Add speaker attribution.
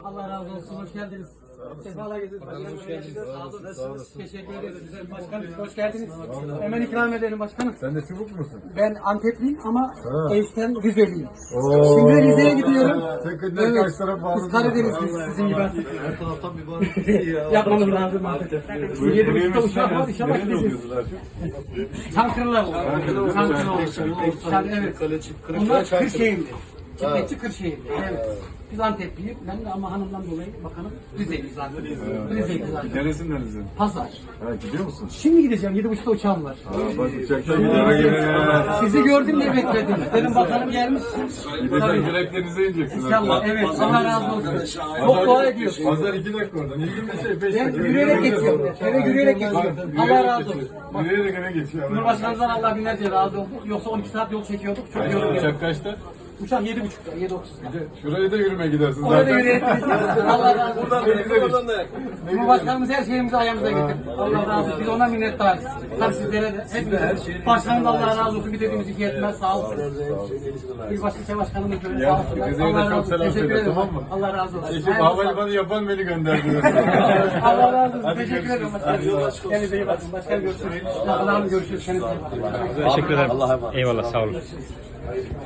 Speaker 1: Allah razı olsun, hoş geldiniz. Sefalar getirdiniz. Başkanım hoş geldiniz. Sağ olun. Nasılsınız? Teşekkür ederiz. Güzel başkanım, hoş geldiniz. Hemen ikram edelim başkanım.
Speaker 2: Sen de çubuk musun?
Speaker 1: Ben Antepliyim ama eşten Rizeliyim. Şimdi Rize'ye gidiyorum.
Speaker 2: Sen kaç taraf bağlı?
Speaker 1: Biz Karadenizliyiz sizin gibi artık.
Speaker 3: Her taraftan bir bağlı ya.
Speaker 1: Yapmamız lazım artık. 7.30'da uçak var, inşallah gideceğiz. Çankırılar. Çankırılar. Evet. Onlar Kırşehirli. Çiftlikçi Kırşehirli. Evet. Biz Antepliyim. Ben de ama hanımdan dolayı bakalım Rize'liyiz zaten. Rize'liyiz zaten.
Speaker 2: Neresindenizin?
Speaker 1: Pazar.
Speaker 2: Ha, gidiyor musun?
Speaker 1: Şimdi gideceğim. 7.30'da uçağım var.
Speaker 2: Bak uçakta gidiyor.
Speaker 1: Sizi gördüm diye bekledim. Dedim bakalım gelmişsin.
Speaker 2: Gideceksin Yüreklerinize ineceksin.
Speaker 1: İnşallah. Evet. Allah razı olsun. Çok dua ediyorsun.
Speaker 2: Pazar 2 dakika oradan. 25
Speaker 1: Ben
Speaker 2: dakika.
Speaker 1: yürüyerek geçiyorum. Eve yürüyerek geçiyorum. Allah razı olsun.
Speaker 2: Yürüyerek eve geçiyor.
Speaker 1: Cumhurbaşkanımızdan Allah binlerce razı olsun. Yoksa 12 saat yol çekiyorduk. Çok yoruluyor.
Speaker 2: Uçak kaçta?
Speaker 1: Uçak 7.30'da. 7.30'da.
Speaker 2: Şuraya da yürüme gidersin
Speaker 1: Orada
Speaker 2: zaten.
Speaker 1: yürüyerek gideceğiz. Allah razı olsun.
Speaker 3: Oradan da yak.
Speaker 1: Cumhurbaşkanımız her şeyimizi ayağımıza getirdi. Allah razı olsun. Biz ona minnettarız. Tabii sizlere de. Hepimize. Başkanım da Allah razı olsun. Bir dediğimiz iki yetmez. Sağ olsun. Bir başka başkanımız böyle sağ olsun.
Speaker 2: Rize'ye de
Speaker 1: Allah
Speaker 2: çok
Speaker 1: razı olsun.
Speaker 2: selam
Speaker 1: Teşekkür
Speaker 2: söyle,
Speaker 1: ederim.
Speaker 2: tamam mı?
Speaker 1: Allah razı olsun.
Speaker 2: Eşim havalimanı yapan beni gönderdi.
Speaker 1: Allah razı olsun. Teşekkür ederim. Kendinize iyi bakın. Başkanım görüşürüz. Başkanım görüşürüz. Kendinize iyi bakın.
Speaker 4: Teşekkür ederim. Eyvallah, sağ olun.